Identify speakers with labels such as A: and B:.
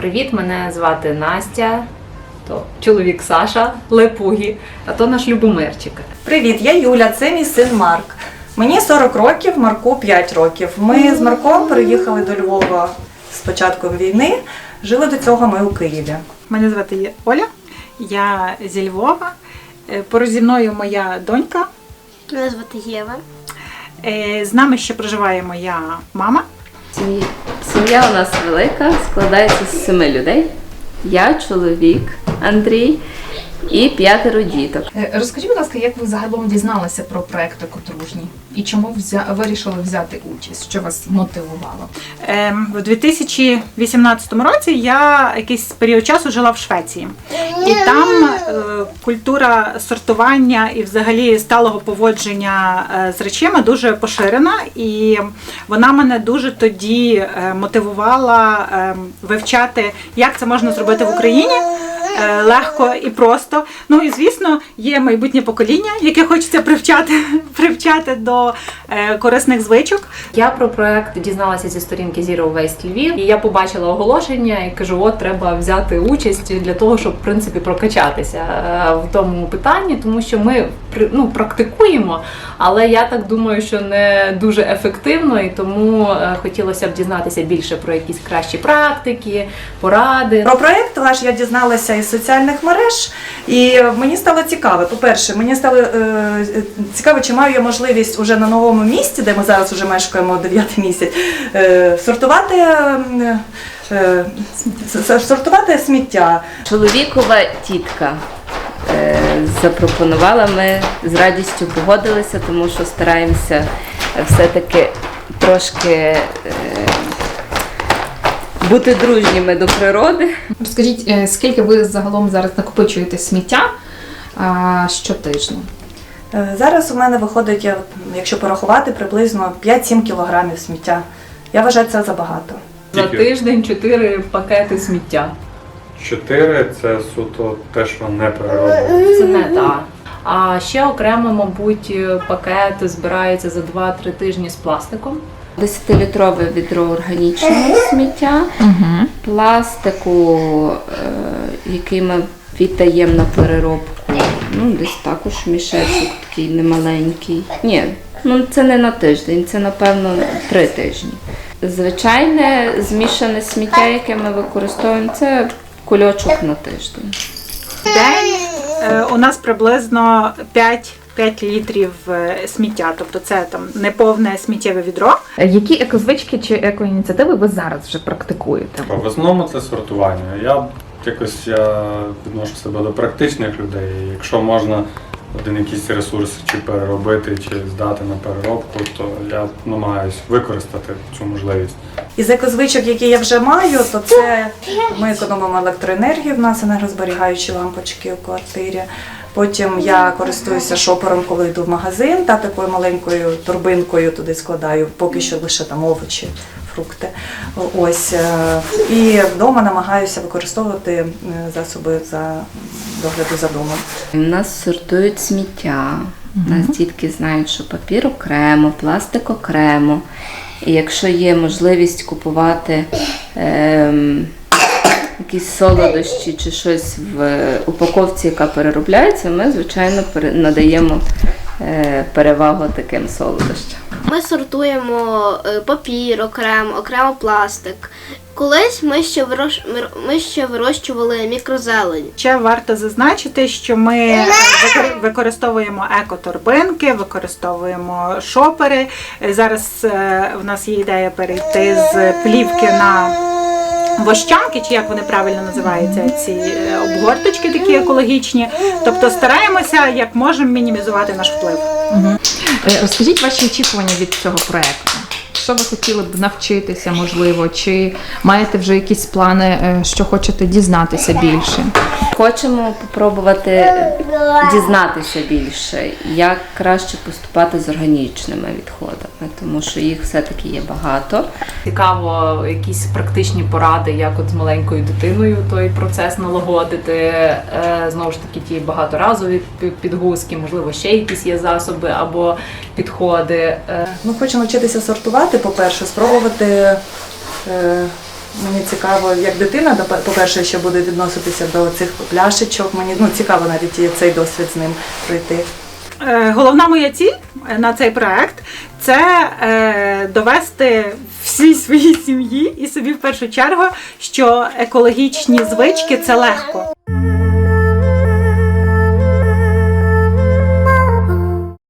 A: привіт! Мене звати Настя, то чоловік Саша, Лепугі, а то наш Любомирчик.
B: Привіт, я Юля, це мій син Марк. Мені 40 років, Марку 5 років. Ми з Марком переїхали до Львова з початком війни, жили до цього ми у Києві.
C: Мене звати Оля, я зі Львова, поруч зі мною моя донька.
D: Мене звати Єва.
C: З нами ще проживає моя мама.
E: Сім'я у нас велика, складається з 7 людей. Я, чоловік Андрій і 5 діток.
F: Розкажіть, будь ласка, як ви загалом дізналися про проект «Екодружні? І чому вирішили взяти участь? Що вас мотивувало?
C: У 2018 році я якийсь період часу жила в Швеції. І там культура сортування і взагалі сталого поводження з речами дуже поширена. І вона мене дуже тоді мотивувала вивчати, як це можна зробити в Україні. Легко і просто. Ну і, звісно, є майбутнє покоління, яке хочеться привчати до корисних звичок.
A: Я про проект дізналася зі сторінки Zero Waste Львів, і я побачила оголошення і кажу, от треба взяти участь для того, щоб, в принципі, прокачатися в тому питанні, тому що ми практикуємо, але я так думаю, що не дуже ефективно, і тому хотілося б дізнатися більше про якісь кращі практики, поради.
B: Про проєкт ваш я дізналася із соціальних мереж, і мені стало цікаво. По-перше, мені стало цікаво, чи маю я можливість уже на новому місці, де ми зараз вже мешкаємо 9 місяць, сортувати сміття.
E: Чоловікова тітка запропонувала, ми з радістю погодилися, тому що стараємося все-таки трошки бути дружніми до природи.
F: Розкажіть, скільки ви загалом зараз накопичуєте сміття щотижня?
B: Зараз у мене виходить, якщо порахувати, приблизно 5-7 кілограмів сміття. Я вважаю, це забагато.
A: За тиждень 4 пакети сміття.
G: 4 – це суто те, що не перероблено.
A: Це не так. А ще окремо, мабуть, пакет збирається за 2-3 тижні з пластиком.
E: 10-літрове відро органічного сміття, пластику, який ми віддаємо на переробку, десь також мішечок такий немаленький. Ні, це не на тиждень, це, напевно, 3 тижні. Звичайне змішане сміття, яке ми використовуємо, це кульочок на тиждень.
C: В день у нас приблизно 5 літрів сміття, тобто це там неповне сміттєве відро.
F: Які екозвички чи екоініціативи ви зараз вже практикуєте?
G: В основному це сортування. Я відношу себе до практичних людей. Якщо можна один якийсь ресурс чи переробити, чи здати на переробку, то я намагаюся використати цю можливість.
B: Із екозвичок, які я вже маю, то це ми економимо електроенергію, в нас енергозберігаючі лампочки у квартирі. Потім я користуюся шопером, коли йду в магазин, та такою маленькою торбинкою туди складаю, поки що лише там овочі, фрукти. Ось. І вдома намагаюся використовувати засоби за догляду за домом.
E: У нас сортують сміття. У нас дітки знають, що папір окремо, пластик окремо. І якщо є можливість купувати якісь солодощі чи щось в упаковці, яка переробляється, ми, звичайно, надаємо перевагу таким солодощам.
D: Ми сортуємо папір окремо пластик. Колись ми ще вирощували мікрозелень.
C: Ще варто зазначити, що ми використовуємо екоторбинки, використовуємо шопери. Зараз в нас є ідея перейти з плівки на вощанки, чи як вони правильно називаються, ці обгорточки такі екологічні. Тобто стараємося, як можемо, мінімізувати наш вплив.
F: Розкажіть ваші очікування від цього проєкту. Що ви хотіли б навчитися, можливо, чи маєте вже якісь плани, що хочете дізнатися більше?
E: Хочемо спробувати дізнатися більше, як краще поступати з органічними відходами, тому що їх все-таки є багато.
A: Цікаво, якісь практичні поради, як от з маленькою дитиною той процес налагодити. Знову ж таки, ті багаторазові підгузки, можливо, ще якісь є засоби або підходи.
B: Хочу навчитися сортувати, по-перше, спробувати Мені цікаво, як дитина, по-перше, що буде відноситися до цих пляшечок. Мені цікаво навіть і цей досвід з ним пройти.
C: Головна моя ціль на цей проект – це довести всій своїй сім'ї і собі в першу чергу, що екологічні звички – це легко.